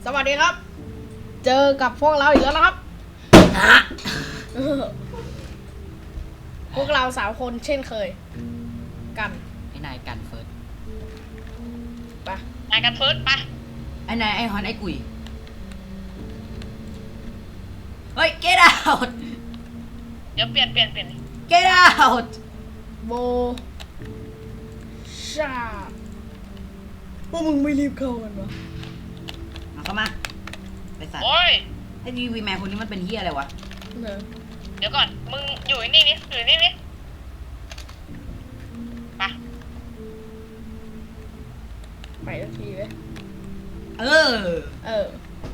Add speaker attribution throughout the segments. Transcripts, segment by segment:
Speaker 1: วัสดีครับ เจอกับพวกเราอีกแล้วนะครับ พวกเรา3 คนเช่นเคย กัน
Speaker 2: ไอ้นายกันเฟิร์ส
Speaker 1: ไป
Speaker 3: นายกันเฟิร์สไป
Speaker 2: ไอ้นายไอ้ฮอนไอ้กุยเฮ้ย get out
Speaker 3: เดี๋ยวเปลี่ยน
Speaker 2: get out
Speaker 1: โบชาพวกมึงไม่รีบเข้ากันวะ
Speaker 2: เอาเข้ามาไปสัตว์
Speaker 3: โอ้ย
Speaker 2: ไอ้ทีวีแมนคนนี้มันเป็นเฮียอะไรวะ
Speaker 1: เนอะ
Speaker 3: เดี๋ยวก่อน มึงอยู่นี่นี่อยู่นี่นี่ไป
Speaker 1: ไปสักทีเว้ย
Speaker 2: เออ
Speaker 1: เออ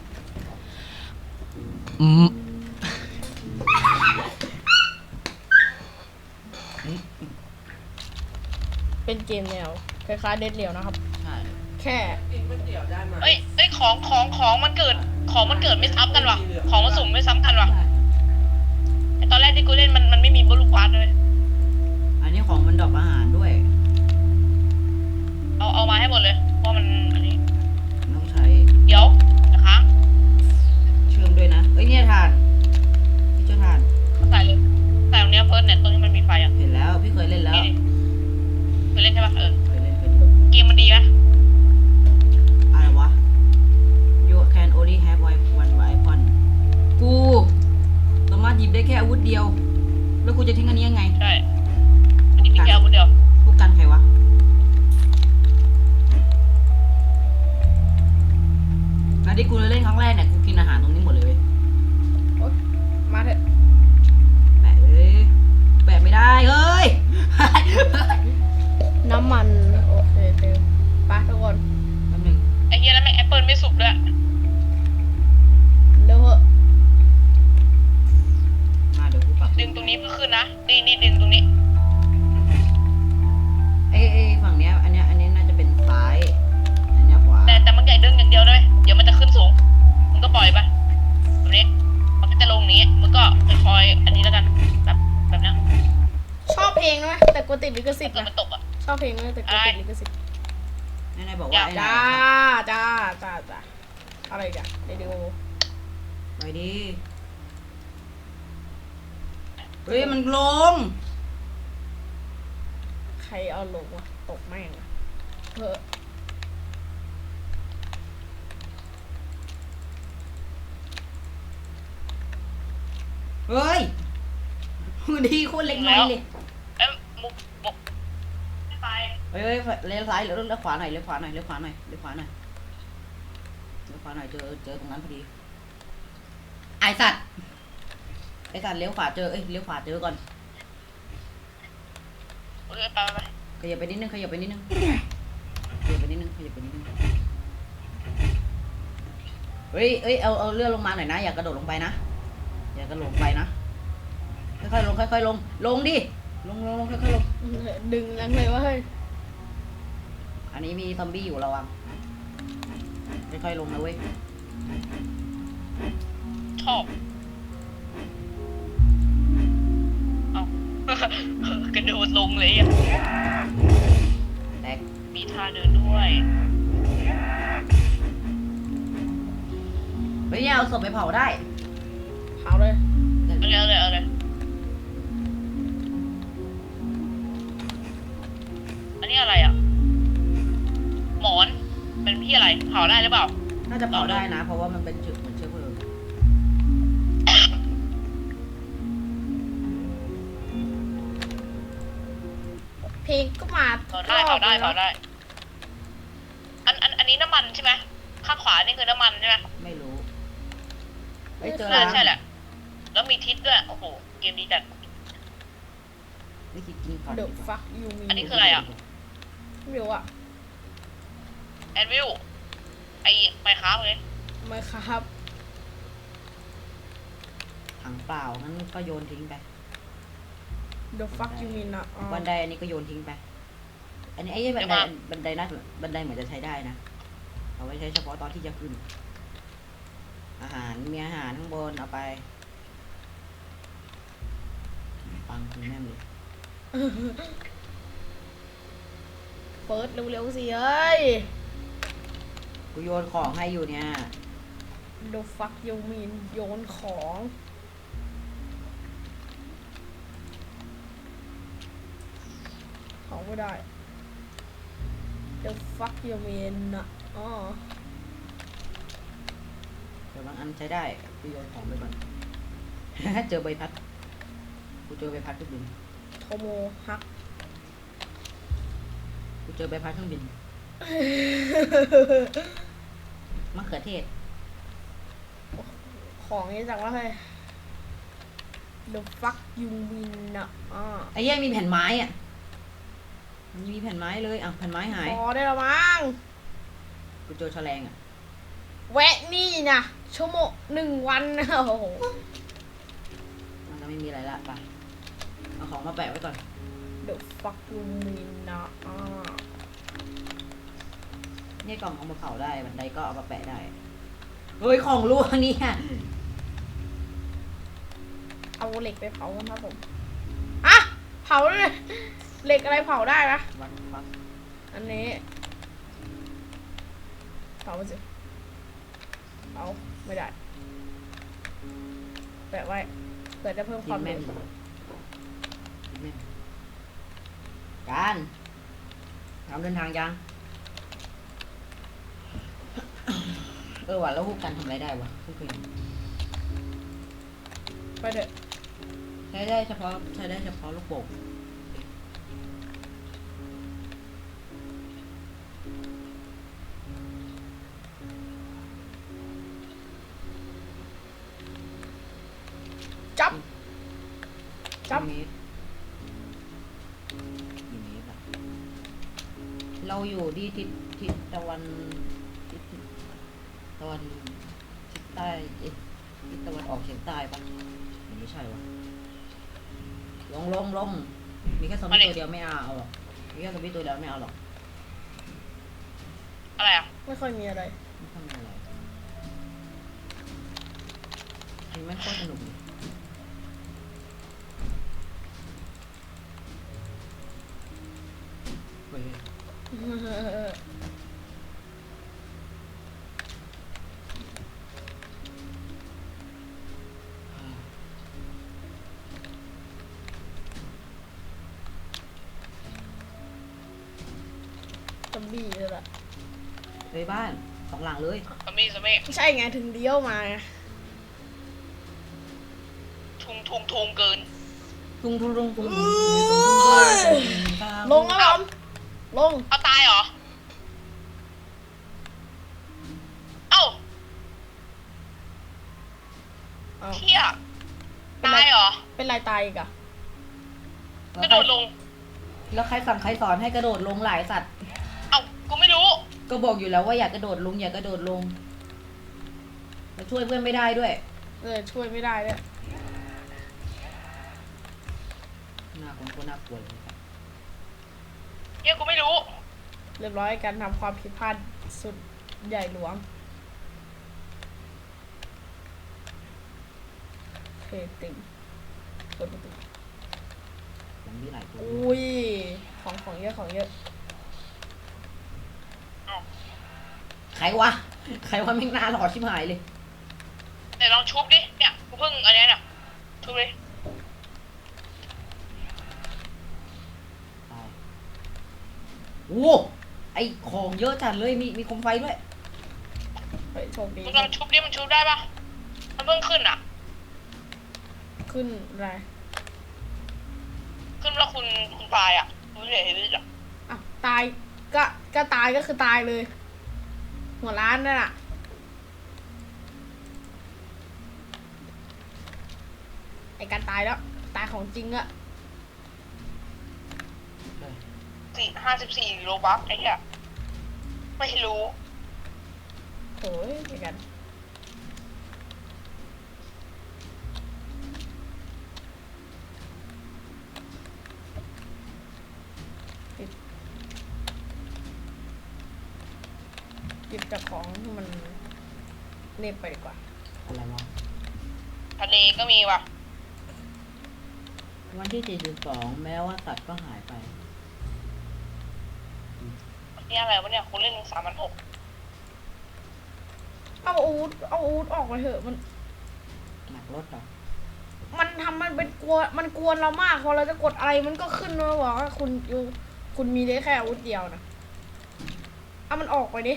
Speaker 1: เป็นเกมแนวคล้ายๆเด็ดเดี่ยวนะครับ
Speaker 2: ใช่
Speaker 1: แค่
Speaker 3: เอ้ยของมันเกิดไม่ซ้ำกันว่ะของมันสุ่มไม่ซ้ำกันว่ะไอตอนแรกที่กูเล่นมันไม่มีบลูกวาร์ดเลย
Speaker 2: อันนี้ของมันดรอปอาหารด้วย
Speaker 3: เอามาให้หมดเลยเพราะมันอันนี้
Speaker 2: ต้องใช้
Speaker 3: เดี๋ยวนะคะ
Speaker 2: เชื่อมด้วยนะเอ้ยเนี่ยทานพี่เจ้าทาน
Speaker 3: ใส่เลยใส่ตรงเนี้ยเฟิร์สเนี่ยตรงที่มันมีไฟอ่ะ
Speaker 2: เห็นแล้วพี่เคยเล่นแล้ว
Speaker 3: นี่เคยเล่นใช่ปะ
Speaker 2: เคยเล่น
Speaker 3: เกมมันดีไหม
Speaker 2: อะไรวะ you can only have one weapon กูสามารถหยิบได้แค่อาวุธเดียว แล้วกูจะทิ้งอันนี้ยังไง
Speaker 3: ใช่อันนี้มีแค่อาวุธเดียว
Speaker 2: พวกกันใครวะแล้วที่กูเล่นครั้งแรกเนี่ยกูกินอาหารตรงนี้หมดเลยเว้ย
Speaker 1: โอ๊ยมาเถอะ
Speaker 2: แปะเลยแปะไม่ได้เฮ้ย
Speaker 1: น้ำมันโอเคเต็มไปทุกคน
Speaker 2: แป๊บนึง
Speaker 3: ไอ้เหี้ยแล้วแม่งแอปเปิลไม่สุกด้วย
Speaker 1: เร็วเหอะ
Speaker 2: มาเดี๋ยวกูปรับ
Speaker 3: ดึงตรงนี้เพื่อขึ้นนะนี่ดึงตรงนี้
Speaker 2: เอ้ฝั่งเนี้ยอันเนี้ยน่าจะเป็นซ้ายอันเนี้ยขวา
Speaker 3: แต่มันใหญ่ดึงอย่างเดียวเลยเดี๋ยวมันจะขึ้นสูงมึงก็ปล่อยไปแบบนี้มันก็จะลงนี้มึงก็คอยๆอันนี้แล้วกันแบบนี้
Speaker 1: ชอบเพลงนะแต่กูติดลิขสิทธิ์
Speaker 3: เกิด
Speaker 1: นะ
Speaker 3: มันตกอ่ะ
Speaker 1: ชอบเพลงนะแต่กูติดลิขสิทธิ์
Speaker 2: นายบอกว่าไอ้
Speaker 1: จ้า
Speaker 2: นา
Speaker 1: จ้าอะไรกันเดี๋ยว
Speaker 2: ไปดิเฮ้ยมันลง
Speaker 1: ใครเอาลงวะตกแม่งอะเฮ้อ
Speaker 2: เฮ้ยดีโคตรเล็กน้อยเลย
Speaker 3: เอ้ยมุกไม่ไป
Speaker 2: เฮ้ยเลี้ยวซ้ายเลี้ยวขวาหน่อยเลี้ยวขวาหน่อยเลี้ยวขวาหน่อยเลี้ยวขวาหน่อยเลี้ยวขวาหน่อยเจอตรงนั้นพอดีไอสัตว์เลี้ยวขวาเจอเลี้ยวขวาเจอก่อน
Speaker 3: โอเคไป
Speaker 2: ขยับไปนิดนึงเฮ้ยเอาเลื่อนลงมาหน่อยนะอย่ากระโดดลงไปนะอย่ากระโดดลงไปนะค่อยๆลงค่อยๆลงดิลงค่อยๆลง
Speaker 1: ดึงแรงเลยวะเฮ้ย
Speaker 2: อันนี้มีซอมบี้อยู่ระวังค่อยๆลงนะเว้ย
Speaker 3: ชอบเอา กระโดดลงเลยอ่ะ
Speaker 2: แตก
Speaker 3: มีท่าเดินด้วย
Speaker 2: เฮ้ยเนี่ยเอาศพไปเผาได้
Speaker 1: เผาเลย
Speaker 3: เอาเลยอันนี้อะไรอ่ะหมอนเป็นพี่อะไรเผาได้หรือเปล่า
Speaker 2: น่าจะเผาได้นะ เพราะว่ามันเป็นจุดเหมือนเชื้อเพลิง
Speaker 1: เพลงก็มา
Speaker 3: เผาได้อันนี้น้ำมันใช่ไหมข้างขวานี่คือน้ำมันใช่ไหม
Speaker 2: ไม่รู้เฮ้ยเจอ
Speaker 3: น่า
Speaker 2: แล้ว
Speaker 3: ใช่แหละแล้วมีทิศด้วยโอ้โหเกมดีจัด
Speaker 2: ไม่คิดกินก่อน
Speaker 1: เดี๋ยวฟักยูมี
Speaker 3: อันนี้คืออะไรอ่ะ
Speaker 1: ไม่รู้อะ
Speaker 3: แอนวิลไอไมค้าเลย
Speaker 1: ไม่ครับ
Speaker 2: ถังเปล่างั้นก็โยนทิ้งไป
Speaker 1: เดี๋ยวฟักยูมีนะอ๋อ
Speaker 2: บันไดอันนี้ก็โยนทิ้งไปอันนี้ไอ้บันไดน่าบันไดเหมือนจะใช้ได้นะเอาไว้ใช้เฉพาะตอนที่จะขึ้นอาหารมีอาหารข้างบนเอาไปปังคุณแม่เลย
Speaker 1: เปิดเร็วๆสิเอ้ย
Speaker 2: กูโยนของให้อยู่เนี่ย
Speaker 1: The fuck you mean โยนของไม่ได้ The fuck you mean นะอ๋อ
Speaker 2: เดี๋ยวบางอันใช้ได้กูโยนของไปก่อน เจอใบพัดกูเจอใบพัดเครื่องบิน
Speaker 1: โทโมฮัก
Speaker 2: กูเจอใบพัดเครื่องบิน มะเขือเทศ
Speaker 1: ของนี้จากว่าเฮ้ย The fuck you mean นะอ๋อ
Speaker 2: ไอ้เหี้ยมีแผ่นไม้อ่ะมันมีแผ่นไม้เลยอ่ะแผ่นไม้หาย
Speaker 1: พอได้แล้วมั้ง
Speaker 2: กูเจอแฉลงอ่ะ
Speaker 1: แวะนี่นะชั่วโมง1 วันนะโอ้โห
Speaker 2: มันก็ไม่มีอะไรละไปเอาของมาแปะไว้ก่อน
Speaker 1: The fuck you mean นะอ๋อ
Speaker 2: เนี่ยกล่องเอามาเผาได้บันไดก็เอามาแปะได้เฮ้ยของรั่วเนี่ย
Speaker 1: เอาเหล็กไปเผากันครับผมอะเผาเลยเหล็กอะไรเผาได้ปะ
Speaker 2: วัดฟัก
Speaker 1: อันนี้เผาไปสิเอาไม่ได้แปะไว้เผื่อจะเพิ่มค
Speaker 2: ยิ
Speaker 1: วาม
Speaker 2: งแม่
Speaker 1: เร็
Speaker 2: น
Speaker 1: ว
Speaker 2: ยิงแม่นการทำเดินทางยัง ว่ะแล้วพวกกันทำอะไรได้วะไม่เคย
Speaker 1: ไปเถอะ
Speaker 2: ใช้ได้เฉพาะลูกโป่ง
Speaker 1: จับจับ
Speaker 2: กี่เมตรกี่เมตรอะเราอยู่ที่ทิศตะวันทิศตะวันทิศใต้ทิศตะวันออกเฉียงใต้ปะไม่ใช่วะลงมีแค่ซอมบี้ตัวเดียวไม่เอาหรอกมีแค่ซอมบี้ตัวเดียวไม่เอาหรอก
Speaker 3: อะไรอ่ะ
Speaker 1: ไม่ค่อยมีอะไร
Speaker 2: ไม่ทำอะไรมันไม่ค่อยสนุกเลยเว้ย
Speaker 1: ซอมบี้เลยล่ะ
Speaker 2: ไปบ้าน2 หลังเลย
Speaker 3: สมัย
Speaker 1: ไม่ใช่ไงถึงเลี้ยวมาไง
Speaker 3: ทุ่งเกิน
Speaker 2: ทุ่ง
Speaker 1: ลงครับผมลง
Speaker 3: เอาตายเหรอ เอ้า
Speaker 1: เอา
Speaker 3: เที่ยตายเหรอ
Speaker 1: เป็นไรตายอีกอะ
Speaker 3: กระโดดลง
Speaker 2: แล้วใครสั่งใครสอนให้กระโดดลงหลายสัตว์
Speaker 3: เอ้ากูไม่รู้
Speaker 2: ก็บอกอยู่แล้วว่าอย่ากระโดดลงอย่ากระโดดลงแล้วช่วยเพื่อนไม่ได้ด้วย
Speaker 1: ช่วยไม่ได้เลย
Speaker 2: น่ากลัวน่ากลัวเลย
Speaker 3: เที่ยกูไม่รู้
Speaker 1: เรียบร้อยการทำความผิดพลาดสุดใหญ่หลวงเพติงเปิดประตู
Speaker 2: มันมีหลายตัว
Speaker 1: อุ้ยของเยอะของเยอะ
Speaker 2: ใครวะแม่งหน้าหลอดชิบหายเลย
Speaker 3: เดี๋ยวลองชุบดิ เนี่ยกูเพิ่งอันนี้น่ะชุบเลย
Speaker 2: ตายโอ้ไอของเยอะจัดเลยมีโคมไฟด้วย
Speaker 1: เฮ้ยโชคดี
Speaker 3: มึงลองชุบดิมันชุบได้ปะมันเพิ่งขึ้นอ่ะ
Speaker 1: ขึ้นอะไร
Speaker 3: ขึ้นแล้วคุณตายอ่ะกูเห็นเลยอ่ะ
Speaker 1: อ่ะตายก็ตายก็คือตายเลย หัวร้านนั่นน่ะไอการตายแล้วตายของจริงอะ
Speaker 3: 54 โลบัคไอ้เหี้ยไม่รู้
Speaker 1: โอ้ยไอกันหยิบจากของที่มันเน็บไปดีกว่า
Speaker 2: อะไรวะ
Speaker 3: ทะเลก็มีว่ะ
Speaker 2: วันที่42แม้ว่าสัตว์ก็หายไป
Speaker 3: นี่อะไรวะเนี่ยคุณเล่น3,600
Speaker 1: เอาอาวุธออกไปเถอะมัน
Speaker 2: หนักรถเหรอ
Speaker 1: มันทำมันเป็นมันกวนเรามากพอเราจะกดอะไรมันก็ขึ้นมาบอกว่าคุณมีได้แค่อาวุธเดียวนะเอามันออกไปดิ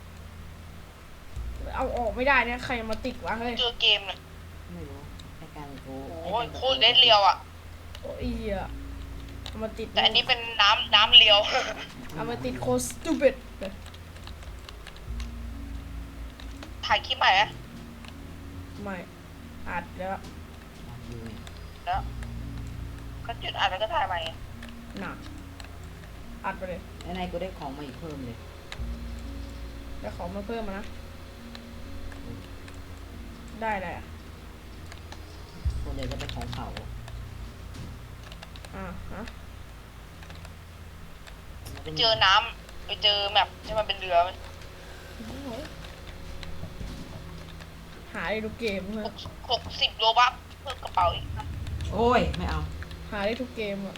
Speaker 1: เอาออกไม่ได้เนี่ยใครมาติดวะเฮ้ย
Speaker 3: เจอเกมเลย
Speaker 2: ไม่รู้ไอ้การกู
Speaker 3: โอ้ยโคตรเด็ดเรียวอ่ะ
Speaker 1: โอ้ยเหี้ยเอามาติด
Speaker 3: แต่อันนี้เป็นน้ำเรียว
Speaker 1: เอามาติดโคสตูปิด
Speaker 3: ถ่ายคลิปใหม่อะ
Speaker 1: ไม่อัดแล้ว
Speaker 3: แล้วก็จุดอ่านแล้วก็ถ่ายใหม่อะ
Speaker 1: หนักอัดไปเลย
Speaker 2: ในกูได้ของมาอีกเพิ่มเลย
Speaker 1: แล้วของมาเพิ่มมานะได้เลยอ่ะ
Speaker 2: ส่วนใหญ่จะเป็นของเขา
Speaker 1: ฮะ
Speaker 3: ไปเจอน้ำไปเจอแมปที่มันเป็นเรือไหม
Speaker 1: หาได้ทุกเกมเพื่อ
Speaker 3: 60โลบัคเพิ่มกระเป๋าอีก
Speaker 2: โอ้ยไม่เอา
Speaker 1: หาได้ทุกเกมอ่ะ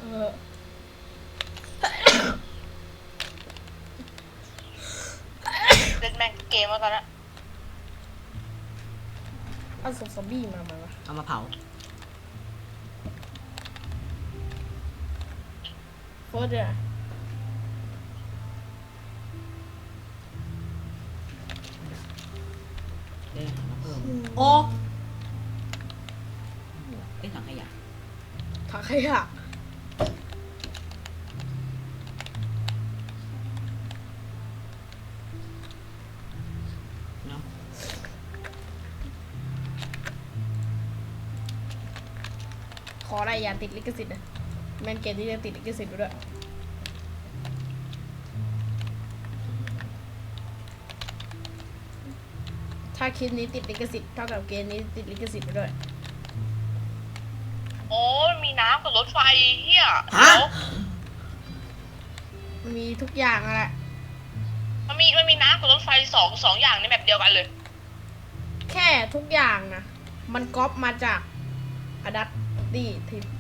Speaker 3: เล่นแม่งเกมแล้วตอนนั้น
Speaker 1: เอาศพซอมบี้มาไหมวะ
Speaker 2: เอามาเผา
Speaker 1: เฟิร์สเนี่ย
Speaker 2: ได้หามาเพิ่มโอ้ไอ้ถังขยะ
Speaker 1: ถังขยะ
Speaker 2: เนาะ
Speaker 1: ขออะไรอย่าติดลิขสิทธิ์นะแมนเกมที่จะติดลิขสิทธิ์ด้วย ถ้าคลิปนี้ติดลิขสิทธิ์เท่ากับเกมนี้ติดลิขสิทธิ์ไปด้วย
Speaker 3: โอ้มีน้ำกับรถไฟเฮีย
Speaker 2: ฮะ
Speaker 1: มีทุกอย่างอะแหละ
Speaker 3: มันมีน้ำกับรถไฟสองอย่างในแมปเดียวกันเลย
Speaker 1: แค่ทุกอย่างนะมันก๊อปมาจากอดัตตี้ทิป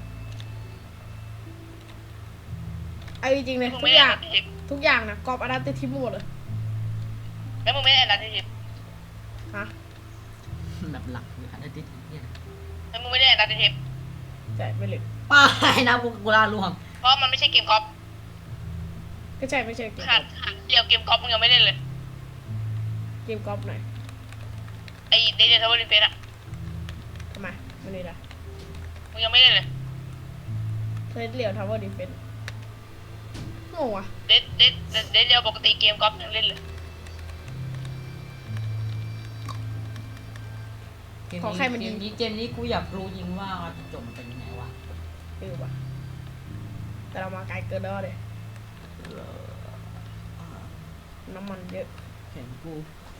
Speaker 1: เอาจริงๆเลย
Speaker 3: มึง
Speaker 1: ทุ
Speaker 3: ไม่
Speaker 1: ก
Speaker 3: ได้
Speaker 1: อย่าง
Speaker 3: อันทิป
Speaker 1: ทุกอย่างนะก๊อปอดัตตี้ทิปหมดเลย
Speaker 3: แล้วมึงไม่ได้อันทิป
Speaker 1: ฮะ
Speaker 2: แบบหลักเลยค่ะได้ติดเนี่ย
Speaker 3: แล้วมึงไม่ได้อันทิป
Speaker 1: ใช่ไม่เลย
Speaker 2: ป้ายนะกูลาล่วง
Speaker 3: เพราะมันไม่ใช่เกมกอล์ฟ
Speaker 1: ก็ใช่ไม่ใช่เกม
Speaker 3: ขาดเดียวเกมกอล์ฟมึงยังไม่เล่นเลย
Speaker 1: เกมก๊อปหน่อย
Speaker 3: ไอ้เดนทาวเวอร์ดิเฟนอะ
Speaker 1: ทำไมไม่ได้ละ
Speaker 3: มึงยังไม่เล่นเลย
Speaker 1: เล่นเหลียวทาวเวอร์ดิเฟนงงวะ
Speaker 3: เดนเดียวปกติเกมกอล์ฟยังเล่นเลย
Speaker 2: เกมนี้กูอยากรู้จริงว่าจบมันเป็นยังไงวะ
Speaker 1: วะแต่เรามาไกลเกินแล้วเลยน้ำมันเยอะ
Speaker 2: เห็นกู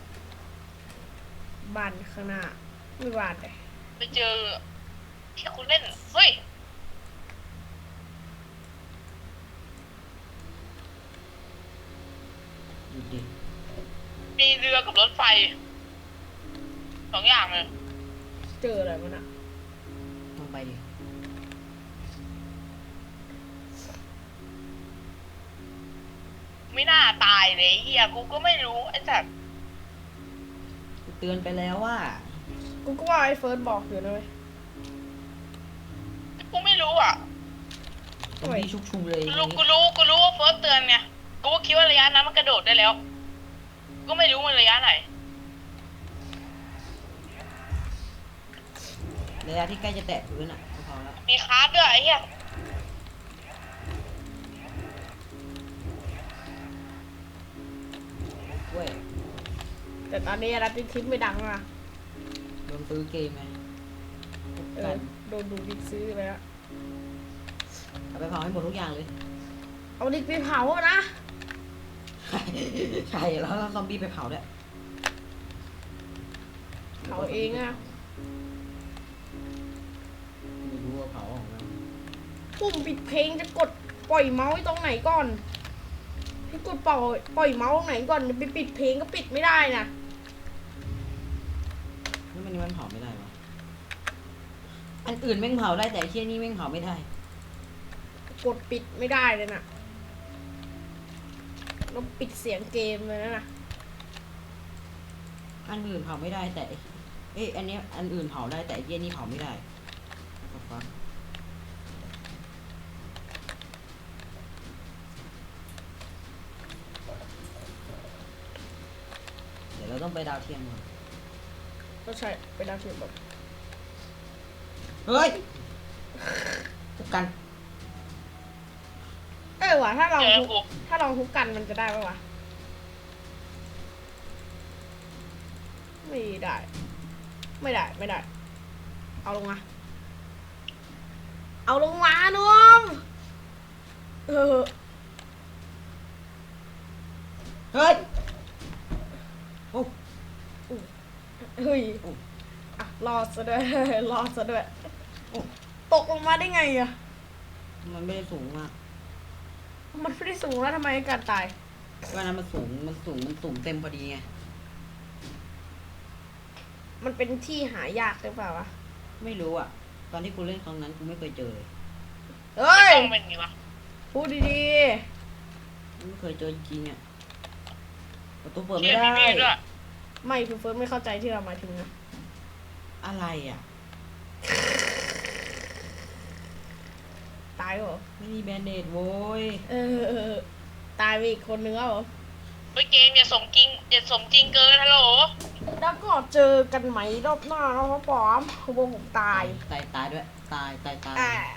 Speaker 1: บ้านข้างหน้าไม่บ้านเลย
Speaker 3: ไปเจอที่คุณเล่น เฮ้ย
Speaker 2: ดูดิ
Speaker 3: มีเรือกับรถไฟสองอย่างเลย
Speaker 1: เจออะไรมันอะ
Speaker 2: ลงไปดิ
Speaker 3: ไม่น่าตายเลยเฮียกูก็ไม่รู้ไอ้สัตว์
Speaker 2: กูเตือนไปแล้วว่า
Speaker 1: กูก็ว่าไอ้เฟิร์สบอกอยู่นะเว้ย
Speaker 3: กูไม่รู้อ่ะ
Speaker 2: ตรงนี้ชุกชุมเลย
Speaker 3: กูรู้ว่าเฟิร์สเตือนไงกูก็คิดว่าระยะนั้นมันกระโดดได้แล้ว ก็ไม่รู้มันระยะไหน
Speaker 2: ระยะที่ใกล้จะแตะพื้นอ่ะก็พอแล้ว
Speaker 3: มีคาร์ดด้วยไอ้เหี้ย
Speaker 2: เว้ย
Speaker 1: แต่ตอนนี้รัตติทิปไม่ดังอ่ะ
Speaker 2: โดนซื้อเกมไง
Speaker 1: เออโดนดูดิกซื้อไปแล้ว
Speaker 2: เอาไปเผาให้หมดทุกอย่างเลย
Speaker 1: เอาดิกไปเผาอะนะ
Speaker 2: ใช่แล้วซอมบี้ไปเผาด้วย
Speaker 1: เผาเองอะ
Speaker 2: ไม่รู้ว่าเผาของมัน
Speaker 1: ปุ่มปิดเพลงจะกดปล่อยเมาส์ไว้ตรงไหนก่อนให้กดปล่อยเมาส์ตรงไหนก่อนไปปิดเพลงก็ปิดไม่ได้นะ
Speaker 2: นี่มันเผาไม่ได้วะอันอื่นแม่งเผาได้แต่ไอ้เชี่ยนี่แม่งเผาไม่ได้
Speaker 1: กดปิดไม่ได้เลยนะแล้วปิดเสียงเกมเลยนะ
Speaker 2: อันอื่นเผาไม่ได้แต่อันเนี้ยอันอื่นเผาได้แต่ไอ้เหี้ยนี่เผาไม่ได้ฟักเดี๋ยวเราต้องไปดาวเทียมก่อน
Speaker 1: ก็ใช่เป็นดาวเทียมแบบ
Speaker 2: เฮ้ยทุกกัน
Speaker 1: ว่ะถ้าลอง
Speaker 3: เจอ
Speaker 1: ทุบ
Speaker 3: กู
Speaker 1: ถ้าลองทุบกันมันจะได้ปะวะไม่ได้ ไม่ได้ไม่ได้ เอาลงมาเอาลงมานุ่มเออ
Speaker 2: เฮ้ยโอ้
Speaker 1: เฮ้ยอ่ะรอดซะด้วย รอดซะด้วยโอ้ตกลงมาได้ไงอะ
Speaker 2: มันไม่ได้สูงมาก
Speaker 1: มันไม่ได้สูงแล้วทำไมการตาย
Speaker 2: ว่านั้นมันสูงเต็มพอดีไง
Speaker 1: มันเป็นที่หายากหรือเปล่าวะ
Speaker 2: ไม่รู้อ่ะ ตอนที่กูเล่นครั้งนั้นกูไม่เคยเจอเลย
Speaker 1: เฮ้ย
Speaker 3: ต้องเป็นไงวะ
Speaker 1: พูดดี
Speaker 2: ไม่เคยเจอจริงๆอ่ะประตูเปิด
Speaker 3: เชี่
Speaker 2: ไม่
Speaker 3: ย
Speaker 2: ได้
Speaker 3: มีมีดด้วย
Speaker 1: ๆ ไม่คือเฟิร์สไม่เข้าใจที่เราหมายถึงนะ
Speaker 2: อะไรอ่ะ
Speaker 1: ตายเหรอ
Speaker 2: ไม่มีแบนเดดโว้ย
Speaker 1: ตายไปอีกคนนึงแล้วเหรอ
Speaker 3: เฮ้ยเกมอย่าสมจริงอย่าสมจริงเกินฮัลโหล
Speaker 1: แล้วก็เจอกันไหมรอบหน้านะครับผมผมตาย
Speaker 2: ตายด้วย ตาย
Speaker 1: อ่า